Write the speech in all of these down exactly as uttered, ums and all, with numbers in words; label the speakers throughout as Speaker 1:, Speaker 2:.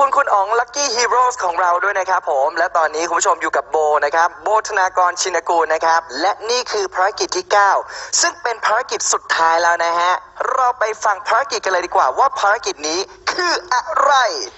Speaker 1: คุณคุณอ๋อง Lucky Heroes ของเราด้วยนะครับผมและตอนนี้คุณผู้ชมอยู่กับโบนะครับโบธนากรชินกูลนะครับและนี่คือภารกิจที่เก้าซึ่งเป็นภารกิจสุดท้ายแล้วนะฮะเราไปฟังภารกิจกันเลยดีกว่าว่าภารกิจนี้คืออะไร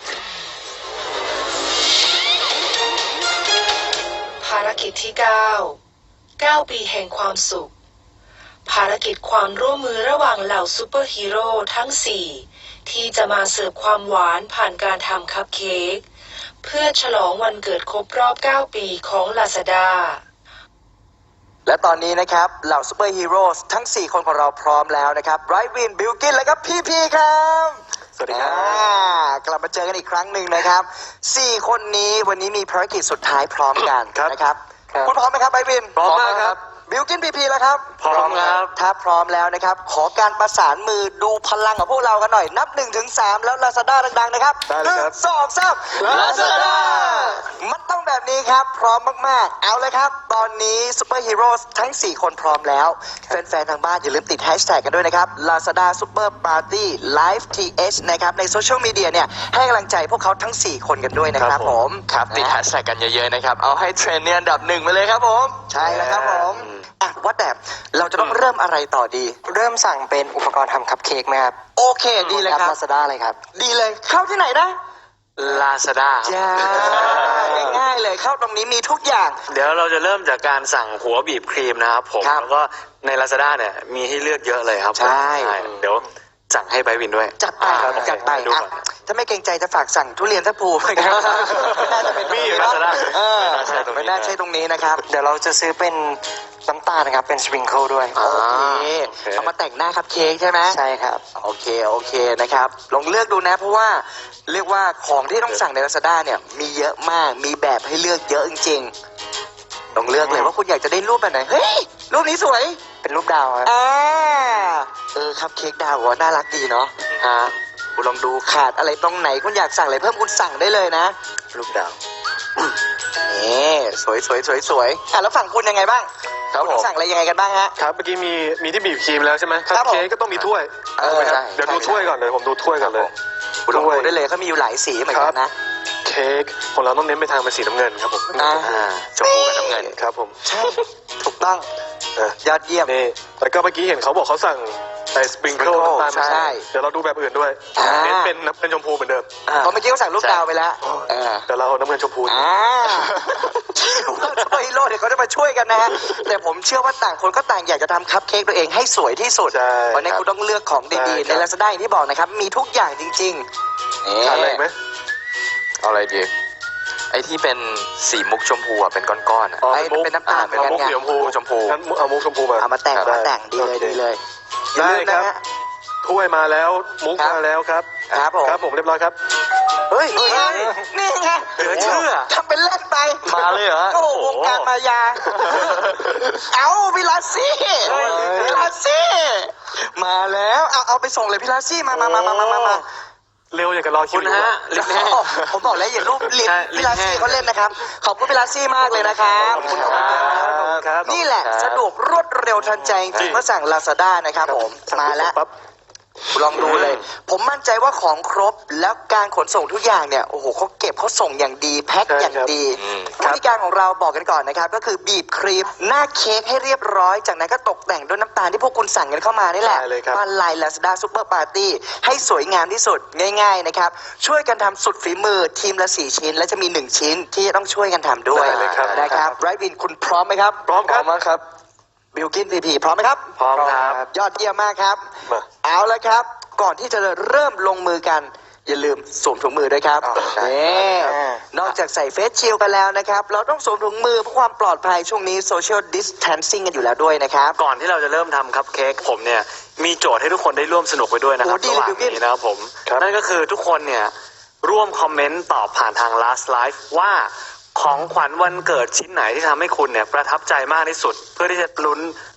Speaker 2: ภารกิจที่เก้า เก้าปีแห่งความสุขภารกิจความร่วมมือระหว่างเหล่าซูเปอร์ฮีโร่ทั้งสี่ที่จะมาเสิร์ฟความหวานผ่านการทำคัพเค้กเพื่อฉลองวันเกิดครบรอบเก้าปีของ Lazada
Speaker 1: และตอนนี้นะครับเหล่าซูเปอร์ฮีโร่ทั้งสี่คนของเราพร้อมแล้วนะครับไบรท์วิน บิลกินและก็พี่พีครับ
Speaker 3: สวัสดีครับ
Speaker 1: กลับมาเจอกันอีกครั้งหนึ่งนะครับสี่คนนี้วันนี้มีภารกิจสุดท้ายพร้อมกันนะครับคุณพร้อมไหมครับไบรท์วิน
Speaker 3: พร้อมมากครับ
Speaker 1: บิลกินพีพีแล้วครับ
Speaker 3: พร้อมครับ
Speaker 1: ถ้าพร้อมแล้วนะครับขอการประสานมือดูพลังของพวกเรากันหน่อยนับหนึ่งถึงสามแล้ว Lazada ดังๆนะครับ
Speaker 3: ได้เลยครับ
Speaker 1: สองสาม Lazada มันต้องแบบนี้ครับพร้อมมากๆเอาเลยครับตอนนี้ซูเปอร์ฮีโร่ทั้งสี่คนพร้อมแล้วแฟนๆทางบ้านอย่าลืมติดแฮชแท็กกันด้วยนะครับ Lazada Super Party Live ที เอช นะครับในโซเชียลมีเดียเนี่ยให้กำลังใจพวกเขาทั้งสี่คนกันด้วยนะครับผม
Speaker 4: ครับติดแฮชแท็กกันเยอะๆนะครับเอาให้เทรนด์เนี่ยอันดับหนึ่งไปเลยครับผม
Speaker 1: ใช่แล้วครับผมอ่ะว่าแต่เราจะต้องเริ่มอะไรต่อดี
Speaker 5: เริ่มสั่งเป็นอุปกรณ์ทำคัพเค้กไหมครับ
Speaker 1: โอเคดีเลยครับ
Speaker 5: Lazada เลยครับ
Speaker 1: ดีเลยเข้าที่ไหนนะ
Speaker 4: Lazada
Speaker 1: จ้าง่ายๆเลยเข้าตรงนี้มีทุกอย่าง
Speaker 4: เดี๋ยวเราจะเริ่มจากการสั่งหัวบีบครีมนะครับผมแล้วก็ใน Lazada เนี่ยมีให้เลือกเยอะเลยครับ
Speaker 1: ใช่
Speaker 4: เดี๋ยวสั่งให้ไบวินด้วย
Speaker 1: จัดไปจัดไปอ่ะถ้าไม่เกรงใจจะฝากสั่งทุเรียนทัพพูนะครับไม่น่าจะเป็น
Speaker 4: มีอยู่ Lazada
Speaker 1: เออไม่น่าใช่ตรงนี้นะครับ
Speaker 5: เดี๋ยวเราจะซื้อเป็นน้ำตาลนะครับเป็นสปริงเกิลด้วย
Speaker 1: โอเคเอามาแต่งหน้าคัพเค้กใช่ไหม
Speaker 5: ใช่ครับ
Speaker 1: โอเคโอเคนะครับลองเลือกดูนะเพราะว่าเรียกว่าของที่ต้องสั่งใน Lazada เนี่ยมีเยอะมากมีแบบให้เลือกเยอะจริงๆลองเลือกเลยว่าคุณอยากจะได้รูปแบบไหนเฮ้ยรูปนี้สวย
Speaker 5: เป็นรูปดาวครับ
Speaker 1: อ่าเออคัพเค้กดาวว่าน่ารักดีเนาะฮะคุณลองดูขาดอะไรตรงไหนคุณอยากสั่งอะไรเพิ่มคุณสั่งได้เลยนะ
Speaker 5: รูปดาว
Speaker 1: นี่สวยสวยสวยสวยอ่ะแล้วฝั่งคุณยังไงบ้าง
Speaker 3: ครับผม
Speaker 1: สั่งอะไรยังไงกันบ้างฮะ
Speaker 3: ครับเมื่อกี้มีมีที่บีบครีมแล้วใช่ไหมคัพเค้กก็ต้องมีถ้วย
Speaker 1: เออใช่
Speaker 3: เดี๋ยวดูถ้วยก่อนเลยผมดูถ้วยก่อนเลย
Speaker 1: คุณลองดูได้เลยเขามีอยู่หลายสีเหมือนกันนะ
Speaker 3: เค้กของเราต้องเน้นไปทางเป็นสีน้ำเงินครับผม
Speaker 1: อ่า
Speaker 4: ชมพูกับน้ำเงิน
Speaker 3: ครับผม
Speaker 1: ใช่ถูกต้องยอดเยี่ยม
Speaker 3: นี่แล้วก็เมื่อกี้เห็นเขาบอกเขาสั่งไอ้สปริงเกิลน้ำตาล
Speaker 1: ใช่
Speaker 3: เดี๋ยวเราดูแบบอื่นด้วยเน้นเป็นเป็นชมพูเหมือนเดิม
Speaker 1: เพราะเมื่อกี้เขาสั่งลูกดาวไปแล้ว
Speaker 3: แต่เราเอาน้ำเงินชมพู
Speaker 1: อ่าซูเปอร์ฮีโร่เดี๋ยวเขาจะมาช่วยกันนะฮะแต่ผมเชื่อว่าต่างคนก็ต่างอยากจะทำคัพเค้กตัวเองให้สวยที่สุดเพราะนั้นคุณต้องเลือกของดีๆใน Lazada อย่างที่บอกนะครับมีทุกอย่างจริงๆ
Speaker 3: อะไรไหม
Speaker 4: เอาอะไรดีไอ้ที่เป็นสีมุกชมพูอ่ะเป็นก้อนๆอ่ะ
Speaker 1: ไอ้เป็นน้ำตาลเป็น
Speaker 3: มุกชมพู
Speaker 4: ชมพู
Speaker 3: งั้นเอามุกชมพูมา
Speaker 1: เอามาแต่งมาแต่งดีเลยดีเลย
Speaker 3: ได้ครับถ้วยมาแล้วมุกมาแล้วครับ
Speaker 1: ครับผม
Speaker 3: ครับผมเรียบร้อยครับ
Speaker 1: เฮ้ยนี่ไงนี่ไง
Speaker 4: เหลือเชื่อ
Speaker 1: ทำเป็นเล่นไป
Speaker 4: มาเลยเหรอ
Speaker 1: โอ้โหวงการมายาเอาพี่ลาซี่พี่ลาซี่มาแล้วเอาเอาไปส่งเลยพี่ลาซี่มามามามามามา
Speaker 3: เร็วอย่างกับรอคิว
Speaker 4: นะฮะลิปแห้ง
Speaker 1: ผมบอกแล้วอย่ารูปลิปพี่ลาซี่เขาเล่นนะครับขอบคุณพี่ลาซี่มากเลยนะครับขอบคุณครับนี่แหละสะดวกรวดเร็วทันใจจริงเมื่อสั่ง Lazada นะครับผมมาแล้วลองดูเลยผมมั่นใจว่าของครบแล้วการขนส่งทุกอย่างเนี่ยโอ้โหเขาเก็บเขาส่งอย่างดีแพ็คอย่างดีวิธีการของเราบอกกันก่อนนะครับก็คือบีบครีมหน้าเค้กให้เรียบร้อยจากนั้นก็ตกแต่งด้วยน้ำตาลที่พวกคุณสั่งกันเข้ามานี่แหละมาลาย Lazada Super Party ให้สวยงามที่สุดง่ายๆนะครับช่วยกันทำสุดฝีมือทีมละสี่ชิ้นและจะมีหนึ่งชิ้นที่จะต้องช่วยกันทำด้วยนะครับไรบินคุณพร้อมไหมครับ
Speaker 3: พร้อมครับ
Speaker 1: ครับบิลกินพีพีพร้อมไหมครับ
Speaker 4: พร้อมครับ
Speaker 1: ยอดเยี่ยมมากครับเอาละครับก่อนที่จะเริ่มลงมือกันอย่าลืมสวมถุงมือด้วยครับนี่นอกจากใส่เฟสชิลด์กันแล้วนะครับเราต้องสวมถุงมือเพื่อความปลอดภัยช่วงนี้โซเชียลดิสแทนซิ่งกันอยู่แล้วด้วยนะครับ
Speaker 4: ก่อนที่เราจะเริ่มทำคัพเค้กผมเนี่ยมีโจทย์ให้ทุกคนได้ร่วมสนุกไปด้วยนะครับระหว่างนี้นะครับผมนั่นก็คือทุกคนเนี่ยร่วมคอมเมนต์ตอบผ่านทาง last live ว่าของขวัญวันเกิดชิ้นไหนที่ทำให้คุณเนี่ยประทับใจมากที่สุดเพื่อที่จะลุ้น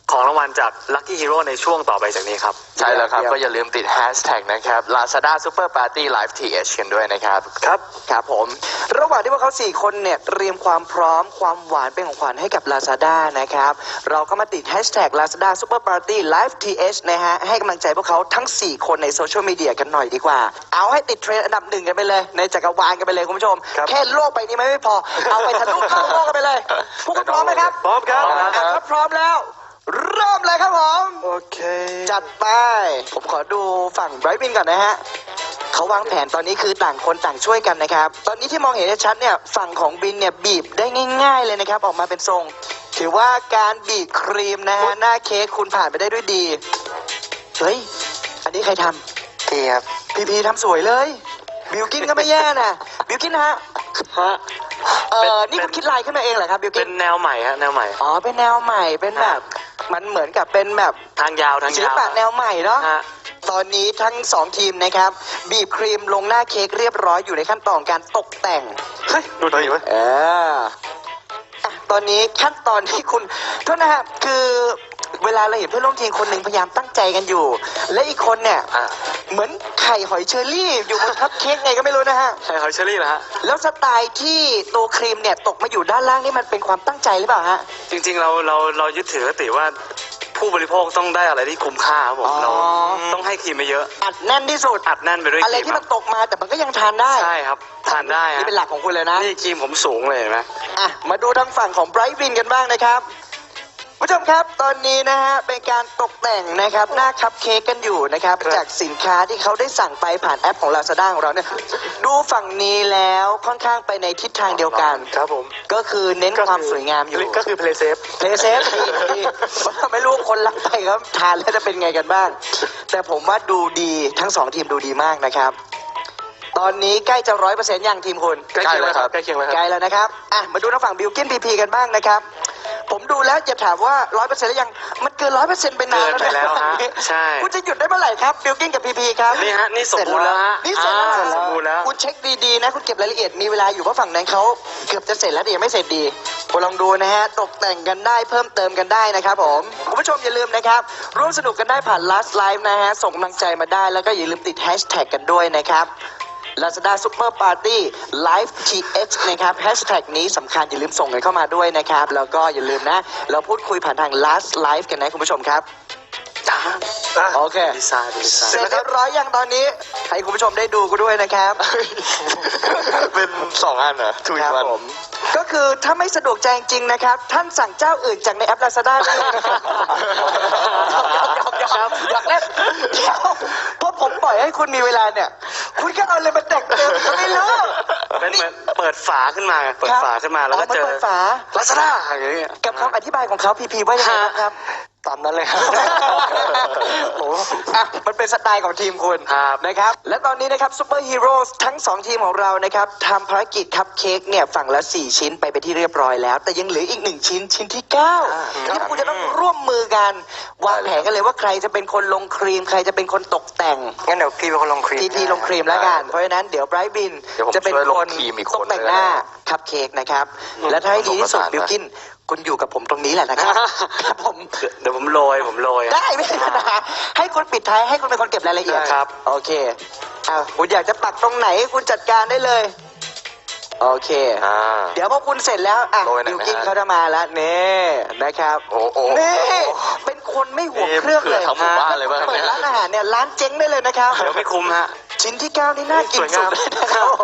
Speaker 4: ของรางวัลจาก Lucky Hero ในช่วงต่อไปจากนี้ครับ
Speaker 6: ใช่แล้วครับ ก็อย่าลืมติดแฮชแท็กนะครับ Lazada Super Party Live ที เอช กันด้วยนะครับ
Speaker 1: ครับครับผม ระหว่างที่พวกเขาสี่คนเนี่ยเตรียมความพร้อมความหวานเป็นของขวัญให้กับ Lazada นะครับ เราก็มาติดแฮชแท็ก Lazada Super Party Live ที เอช นะฮะให้กำลังใจพวกเขาทั้งสี่คนในโซเชียลมีเดียกันหน่อยดีกว่า เอาให้ติดเทรนด์อันดับหนึ่งกันไปเลย ในจักรวาลกันไปเลยคุณผู้ชม แค่โลกใบนี้มันไม่พอ เอาไปทะลุโลกโลกกันไปเลย พวกคุณพร้อมไหมครับ
Speaker 3: พร้อมครับ
Speaker 1: อ่ะถ้าพร้อมแล้ว เริ่มเลยครับผม
Speaker 3: โอเค
Speaker 1: จัดไป ผมขอดูฝั่งไบรท์วินก่อนนะฮะ เขาวางแผนตอนนี้คือต่างคนต่างช่วยกันนะครับ ตอนนี้ที่มองเห็นได้ชัดเนี่ย ฝั่งของบินเนี่ยบีบได้ง่าย ๆเลยนะครับ ออกมาเป็นทรง ถือว่าการบีบครีมนะฮะ หน้าเค้กคุณผ่านไปได้ด้วยดี เฮ้ย อันนี้ใครทำ
Speaker 5: พี่ครับ
Speaker 1: พีพีทำสวยเลย บิวกินก็ไม่แย่นะบิวกินฮะ
Speaker 4: ฮะ
Speaker 1: เออนี่คุณคิดลายขึ้นมาเองเหรอครับบิวกิ
Speaker 4: เป็น นแนวใหม่ฮะแนวใหม่
Speaker 1: อ๋อ เป็นแนวใหม่ เป็นแบบ มันเหมือนกับเป็นแบบ
Speaker 4: ทางยาวทาง
Speaker 1: ศิล
Speaker 4: ยาว
Speaker 1: ปะแนวใหม่เนาะ
Speaker 4: ฮะ
Speaker 1: ตอนนี้ทั้งสองทีมนะครับ บีบครีมลงหน้าเค้กเรียบร้อยอยู่ในขั้นตอนการตกแต่ง
Speaker 3: เฮ้ย ดูดีเว้ย
Speaker 1: เอออ่ะตอนนี้ขั้นตอนที่คุณโทษนะครับคือเวลาเราเห็นเพื่อนร่วมทีมคนหนึ่งพยายามตั้งใจกันอยู่ และอีกคนเนี่ย
Speaker 4: อ่ะ
Speaker 1: เหมือนไข่หอยเชอรี่อยู่บนคัพเค้กไงก็ไม่รู้นะฮะ
Speaker 4: ใช่หอยเชอรี่เหรอฮะ
Speaker 1: แล้วสไตล์ที่ตัวครีมเนี่ยตกมาอยู่ด้านล่างนี่มันเป็นความตั้งใจหรือเปล่าฮะ
Speaker 4: จริงๆเราเราเรายึดถือคติว่าผู้บริโภคต้องได้อะไรที่คุ้มค่าครับผม
Speaker 1: อ๋อ
Speaker 4: เราต้องให้ครีมไปเยอะ
Speaker 1: อัดแน่นที่สุด
Speaker 4: อัดแน่นไปด้วยค
Speaker 1: อะไร
Speaker 4: รีม
Speaker 1: ที่
Speaker 4: ค
Speaker 1: มั
Speaker 4: รั
Speaker 1: น
Speaker 4: บ
Speaker 1: ตกมาแต่มันก็ยังทานได้
Speaker 4: ใช่ครับทานได้ฮะ
Speaker 1: นี่เป็นหลักของคุณเลยนะ
Speaker 4: นี่ครีมผมสูงเลยเห็นไหม
Speaker 1: อ่ะมาดูทางฝั่งของไบรท์วินกันบ้างนะครับผู้ชมครับตอนนี้นะฮะเป็นการตกแต่งนะครับหน้าคัพเค้กกันอยู่นะครับ
Speaker 3: ครับ
Speaker 1: จากสินค้าที่เขาได้สั่งไปผ่านแอปของ Lazada ของเราเนี่ยดูฝั่งนี้แล้วค่อนข้างไปในทิศทางเดียวกัน
Speaker 3: ครับผม
Speaker 1: ก็คือเน้นความสวยงามอยู่
Speaker 3: ก็คือ play safe
Speaker 1: เพลย์เซฟดีดีไม่รู้คนรักไปครับทานแล้วจะเป็นไงกันบ้าง แต่ผมว่าดูดีทั้งสองทีมดูดีมากนะครับ ตอนนี้ใกล้จะร้อยเปอร์เซ็นต์ยังทีมคุณ
Speaker 3: ใกล้เคียงแล้วครับใกล้เคียงแล้วค
Speaker 1: ใก
Speaker 3: รับ
Speaker 1: ล้แล้วนะครับ อ่ะ มาดูทางฝั่งบิลกินพีพีกันบ้างนะครับ ผมดูแล้วจะถามว่าร้อยเปอร์เซ็นต์แล้วยัง มันเกินร้อยเปอร์เซ็นต์ไปนาน
Speaker 4: เกินไปแล้วฮะ
Speaker 1: นะ
Speaker 4: ใช่
Speaker 1: คุณจะหยุดได้เมื่อไหร่ครับบิลกินกับพีพีครับ
Speaker 4: นี่ฮะนี่สมบูรณ์แล้วฮะ
Speaker 1: นี่เสร็จแล้ว
Speaker 4: อ่า
Speaker 1: เหรอ
Speaker 4: สมบูรณ์แล้ว
Speaker 1: คุณเช็คดีๆนะ คุณเก็บรายละเอียด มีเวลาอยู่เพราะฝั่งนั้นเขาเกือบจะเสร็จแล้วแต่ยังไม่เสร็จดีคุณลองดูนะฮะ ตกแต่งกันได้เพิ่มเติมกันได้นะครับผม คุณผู้ชมอย่าลืมนะครับ ร่วมสนุกกันได้ผ่าน Last Live นะฮะ ส่งกำลังใจมาได้ แล้วก็อย่าลืมติดแฮชแท็กกันด้วยนะครับ Lazada Super Party Live ที เอช นะครับแฮชแท็กนี้สำคัญอย่าลืมส่งกันเข้ามาด้วยนะครับ แล้วก็อย่าลืมนะ เราพูดคุยผ่านทาง Last Live กันนะคุณผู้ชมครับ
Speaker 3: อ่ะ
Speaker 1: โอเค
Speaker 4: ดีไซน์ดีไซ
Speaker 1: เสร็จ
Speaker 4: น์
Speaker 1: เรียบร้อยยังตอนนี้ ให้คุณผู้ชมได้ดูกันด้วยนะครับ
Speaker 6: เป็นสองอันเหรอทุก
Speaker 1: ครับ
Speaker 6: วัน
Speaker 1: ผม ก็คือถ้าไม่สะดวกใจจริงๆนะครับ ท่านสั่งเจ้าอื่นจากในแอป Lazada ได้เลยนะครับหยอกๆๆๆอยากเล่นเดี๋ยวเพราะผมปล่อยให้คุณมีเวลาเนี่ย คุณก็เอาเลยมาแต่งเติมก็ไม่รู้
Speaker 4: เป็นเหมือนเปิดฝาขึ้นมาเปิดฝาขึ้นมาแล้วก็เจอ
Speaker 1: เปิดฝา
Speaker 4: ลาซาด้าอย่างเงี้ย
Speaker 1: กับคำอธิบายของเขาพีพีว่ายังไงบ้างครับ
Speaker 5: ตามนั้นเลยครับ
Speaker 1: โอ้อ่ะมันเป็นสไตล์ของทีมคุณ
Speaker 4: ครับ
Speaker 1: นะครับ และตอนนี้นะครับซูเปอร์ฮีโร่ทั้งสองทีมของเรานะครับทำภารกิจคัพเค้กเนี่ยฝั่งละสี่ชิ้นไปไปนที่เรียบร้อยแล้ว แต่ยังเหลืออีกหนึ่งชิ้นชิ้นที่เก้าที่คุณจะต้องร่วมมือกันวางแผนกันเลยว่าใครจะเป็นคนลงครีม ใครจะเป็นคนตกแต่ง
Speaker 5: งั้นเดี๋ยวพี่เป็นคนลงครีม
Speaker 1: พีพีลงครีมแล้วกัน เพราะฉะนั้นเดี๋ยวไบรท์บิน
Speaker 6: เดี๋ยวผม
Speaker 1: จะเป็น
Speaker 6: ช่วยล
Speaker 1: ค
Speaker 6: ง
Speaker 1: น
Speaker 6: ครีมอีก
Speaker 1: ต
Speaker 6: ค
Speaker 1: ก
Speaker 6: น
Speaker 1: แต่ง
Speaker 6: เลย
Speaker 1: หน้า
Speaker 6: นะ
Speaker 1: คัพเค้กนะครับ และถ้าให้ดีที่สุด
Speaker 6: ผสมผสานนะ
Speaker 1: บิวกินคุณอยู่กับผมตรงนี้แหละนะครับ ครับผม
Speaker 4: เดี๋ยวผมโรยผมโรย
Speaker 1: ได้ไม่เป็นปัญหาให้คุณปิดท้ายให้คุณเป็นคนเก็บรายละเอียด
Speaker 4: ครับ
Speaker 1: โอเคอ้าวคุณอยากจะปักตรงไหนคุณจัดการได้เลย โอเค
Speaker 6: อ่า
Speaker 1: เดี๋ยวพอคุณเสร็จแล้วอ่ะ
Speaker 6: โรยหน่อย
Speaker 1: บิว
Speaker 6: ไหม
Speaker 1: กิน
Speaker 6: ฮะ
Speaker 1: เขาจะมาแล้วนี่นะครับ
Speaker 6: โอ้โห
Speaker 1: นี่เป็นคนไม่ห่วงเครื่องเลย
Speaker 6: เผื่อทั้งหมู่บ้านเลยป่ะ
Speaker 1: เปิดร้านอาหารเนี่ยร้านเจ๊งได้เลยนะครับ
Speaker 4: เดี๋ยวไม่คุ้มฮะ
Speaker 1: ชิ้นที่เก้านี่น่ากินสุดเลยนะครับผม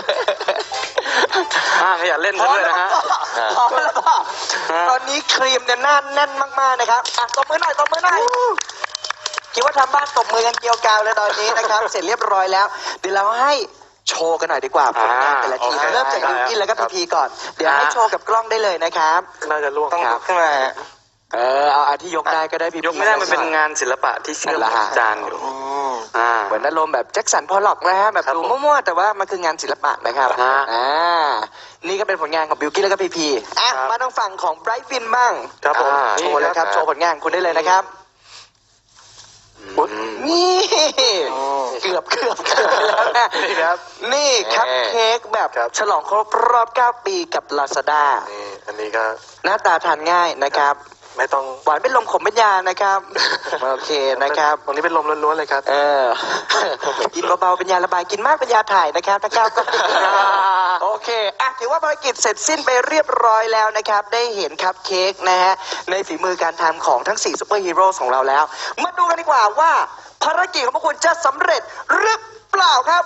Speaker 4: อ่าขยันเล่น
Speaker 1: พ
Speaker 4: ซะ
Speaker 1: อ
Speaker 4: ด้วย
Speaker 1: แล้ว
Speaker 4: นะฮะ
Speaker 1: พอแล้วพ่อตอนนี้ครีมเนี่ยแน่นแน่นมากๆนะครับอ่ะตบมือหน่อยตบมือหน่อยคิดว่าทำบ้านตบมือกันเกลียวกราวเลยตอนนี้นะครับ เสร็จเรียบร้อยแล้ว เดี๋ยวเราให้โชว์กันหน่อยดีกว่าผลงานแต่ละทีม
Speaker 4: อ่า
Speaker 1: เริ่มจาก
Speaker 4: โอ
Speaker 1: บิว
Speaker 4: เค
Speaker 1: กินแล้วก็พีพีก่อน เดี๋ยวให้
Speaker 4: อ่า
Speaker 1: โชว์กับกล้องได้เลยนะครับ
Speaker 3: น่าจะล่วง
Speaker 5: ต้อง
Speaker 1: ครั
Speaker 5: ลุ
Speaker 1: บ
Speaker 5: กขึ้นมา
Speaker 1: เออเอาอาที่ยกได้ก็ได้พีพี
Speaker 4: ยกไม่ได้มันเป็นงานศิลปะที่เชื่อมกับจานอยู่
Speaker 1: อืม
Speaker 4: อ่า
Speaker 1: เหมือนอารมณ์แบบแจ็คสันพอลล็อกนะฮะแบบ
Speaker 4: ครับ
Speaker 1: ดู
Speaker 4: ผม
Speaker 1: มั่วๆแต่ว่ามันคืองานศิลปะนะครับ
Speaker 4: ฮะ
Speaker 1: อ่านี่ก็เป็นผลงานของบิวกิ้นแล้วก็พีพีอ่ะ
Speaker 3: ครับ
Speaker 1: มาทางฝั่งของไบรท์วินบ้าง
Speaker 3: ครับผม
Speaker 6: อ่า
Speaker 1: โชว์เลยครับโชว์ผลงานคุณได้เลยนะครับ
Speaker 4: อืม
Speaker 1: นี่เกือบเกือบเกือบไปแล้วนะ
Speaker 3: นี่ครับ
Speaker 1: นี่คัพเค้กแบบ
Speaker 3: ครับ
Speaker 1: ฉลองครบรอบเก้าปีกับ Lazada
Speaker 3: นี่อันนี้ก็
Speaker 1: หน้าตาทานง่ายนะครับ
Speaker 3: ไม่ต้อง
Speaker 1: หวานเป็นลมขมเป็นยานะครับ โอเคนะครับ
Speaker 3: ตรงนี้เป็นลมล้วนๆเลยครับ
Speaker 1: เออ กินเบาๆเป็นยาระบายกินมากเป็นยาถ่ายนะครับถ้าก้าวก็ไม่ดีนะครับโอเคอ่ะถือว่าภารกิจเสร็จสิ้นไปเรียบร้อยแล้วนะครับ ได้เห็นคัพเค้กนะฮะในฝีมือการทำของทั้งสี่ซูเปอร์ฮีโร่ของเราแล้ว มาดูกันดีกว่าว่าภารกิจของพวกคุณจะสำเร็จหรือเปล่าครับ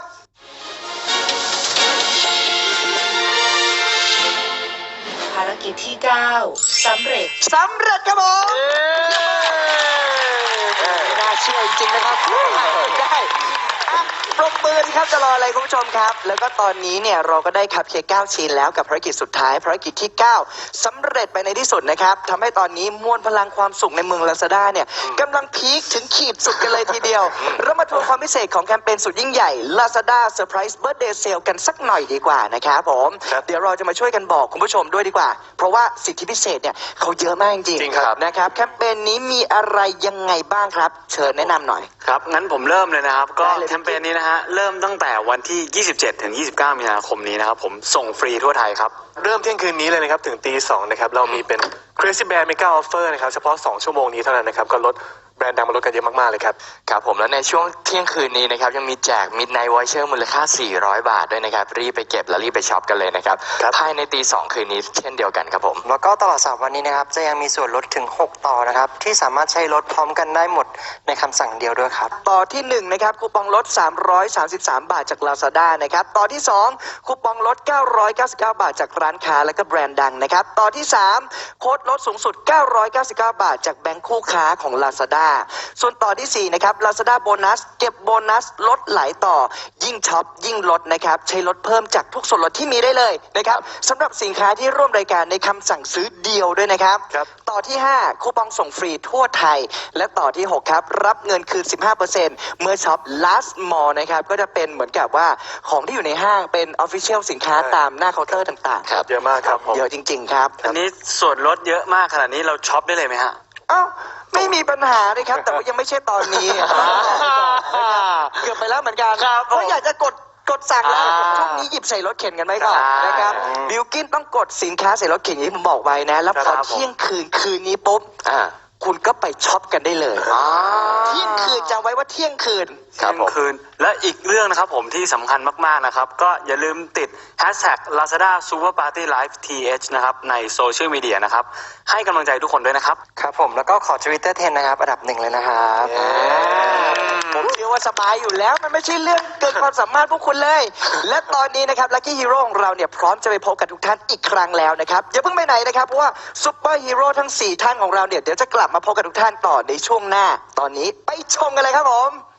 Speaker 2: ภารกิจที่ เก้า สำเร็จ
Speaker 1: สำเร็จครับผมไม่น่าเชื่อจริงๆนะครับได้อ่ะปรบมือสิครับจะรออะไรคุณผู้ชมครับ แล้วก็ตอนนี้เนี่ยเราก็ได้คัพเค้กเก้าชิ้นแล้วกับภารกิจสุดท้ายภารกิจที่ เก้าสำเร็จไปในที่สุดนะครับทำให้ตอนนี้มวลพลังความสุขในเมืองลาซาด้าเนี่ยกำลังพีคถึงขีดสุดกันเลยทีเดียวเรามาทวนความพิเศษของแคมเปญสุดยิ่งใหญ่ Lazada Surprise Birthday Sale กันสักหน่อยดีกว่านะครับผม
Speaker 3: ครับ
Speaker 1: เดี๋ยวเราจะมาช่วยกันบอกคุณผู้ชมด้วยดีกว่า เพราะว่าสิทธิพิเศษเนี่ยเขาเยอะมากจริง
Speaker 3: จริงครับ
Speaker 1: นะครับแคมเปญนี้มีอะไรยังไงบ้างครับ เชิญแนะนำหน่อย
Speaker 4: ครับ งั้นผมเริ่มเลยนะครับ ก็
Speaker 1: ได้เลย
Speaker 4: แคมเปญนี้นะฮะ เริ่มตั้งแต่วันที่ ยี่สิบเจ็ด ถึง ยี่สิบเก้า มีนาคมนี้นะครับ ผมส่งฟรีทั่วไทยครับ
Speaker 3: เริ่มเที่ยงคืนนี้เลยนะครับ ถึงตีสองนะครับ เรามีเป็น Crazy Bear Mega Offer นะครับ เฉพาะ สอง ชั่วโมงนี้เท่านั้นนะครับ ก็ลดแบรนด์ดังมาลดกันเยอะมาก ๆ เลยครับ
Speaker 6: ครับผมแล้วในช่วงเที่ยงคืนนี้นะครับยังมีแจก Midnight Voucher มูลค่า สี่ร้อย บาทด้วยนะครับ รีบไปเก็บและรีบไปช็อปกันเลยนะครับ
Speaker 3: ครับ
Speaker 6: ภายในตีสองคืนนี้เช่นเดียวกันครับผม
Speaker 5: แล้วก็ตลอดสามวันนี้นะครับจะยังมีส่วนลดถึงหกต่อนะครับที่สามารถใช้ลดพร้อมกันได้หมดในคำสั่งเดียวด้วยครับ
Speaker 1: ต่อที่หนึ่งนะครับคูปองลด สามร้อยสามสิบสาม บาทจาก Lazada นะครับต่อที่สองคูปองลด เก้าร้อยเก้าสิบเก้า บาทจากร้านค้าและก็แบรนด์ดังนะครับต่อที่สามโค้ดลดสูงสุด เก้าร้อยเก้าสิบเก้า บาทจากแบงค์คู่ค้าของ Lazada ส่วนต่อที่สี่นะครับ Lazada โบนัสเก็บโบนัสลดหลายต่อยิ่งช็อปยิ่งลดนะครับใช้ลดเพิ่มจากทุกส่วนลดที่มีได้เลยนะครับสำหรับสินค้าที่ร่วมรายการในคำสั่งซื้อเดียวด้วยนะครับ
Speaker 3: ครับ
Speaker 1: ต่อที่ห้าคูปองส่งฟรีทั่วไทย และต่อที่หกครับรับเงินคืน สิบห้าเปอร์เซ็นต์ เมื่อช็อป last mall นะครับก็จะเป็นเหมือนกับว่าของที่อยู่ในห้างเป็น official สินค้าตามหน้าเคาน์เตอร์ต่างๆ
Speaker 3: เยอะมากครับผม
Speaker 1: เยอะจริง ๆ ครับ
Speaker 4: อันนี้ส่วนลดเยอะมากขนาดนี้เราช็อปได้เลยไหมฮะ
Speaker 1: เอ้าไม่มีปัญหาเลยครับ แต่ว่ายังไม่ใช่ตอนนี้ เกือบไปแล้วเหมือนกัน
Speaker 4: ครับผม
Speaker 1: เพราะอยากจะกดกดสั่งแล้ว
Speaker 4: อ่า
Speaker 1: ช่วงนี้หยิบใส่รถเข็นกันไว้ก่อน
Speaker 4: ใช่
Speaker 1: นะครับบิลกินต้องกดสินค้าใส่รถเข็นอย่างที่ผมบอกไว้นะ แล้วพอ
Speaker 4: ครับผม
Speaker 1: เที่ยงคืนคืนนี้ปุ๊บ
Speaker 6: อ่า
Speaker 1: คุณก็ไปช็อปกันได้เลย
Speaker 6: อ่า
Speaker 1: เที่ยงคืนจำไว้ว่าเที่ยงคืน
Speaker 6: ครับผม
Speaker 4: เที่ยงคืนและอีกเรื่องนะครับผมที่สำคัญมากๆนะครับ ก็อย่าลืมติด hashtag Lazada Super Party Live ที เอช นะครับในโซเชียลมีเดียนะครับ ให้กำลังใจทุกคนด้วยนะครับ
Speaker 5: ครับผมแล้วก็ขอ Twitter เทรนด์นะครับอันดับหนึ่งเลยนะครับ
Speaker 1: ผมเชื่อว่าสบายอยู่แล้วมันไม่ใช่เรื่องเกินความสามารถพวกคุณเลย และตอนนี้นะครับลัคกี้ฮีโร่ของเราเนี่ยพร้อมจะไปพบกับทุกท่านอีกครั้งแล้วนะครับอย่าเพิ่งไปไหนนะครับเพราะว่าซุปเปอร์ฮีโร่ทั้งสี่ท่านของเราเนี่ยเดี๋ยวจะกลับมาพบกับทุกท่านต่อในช่วงหน้า ตอนนี้ไปชมกันเลยครับผม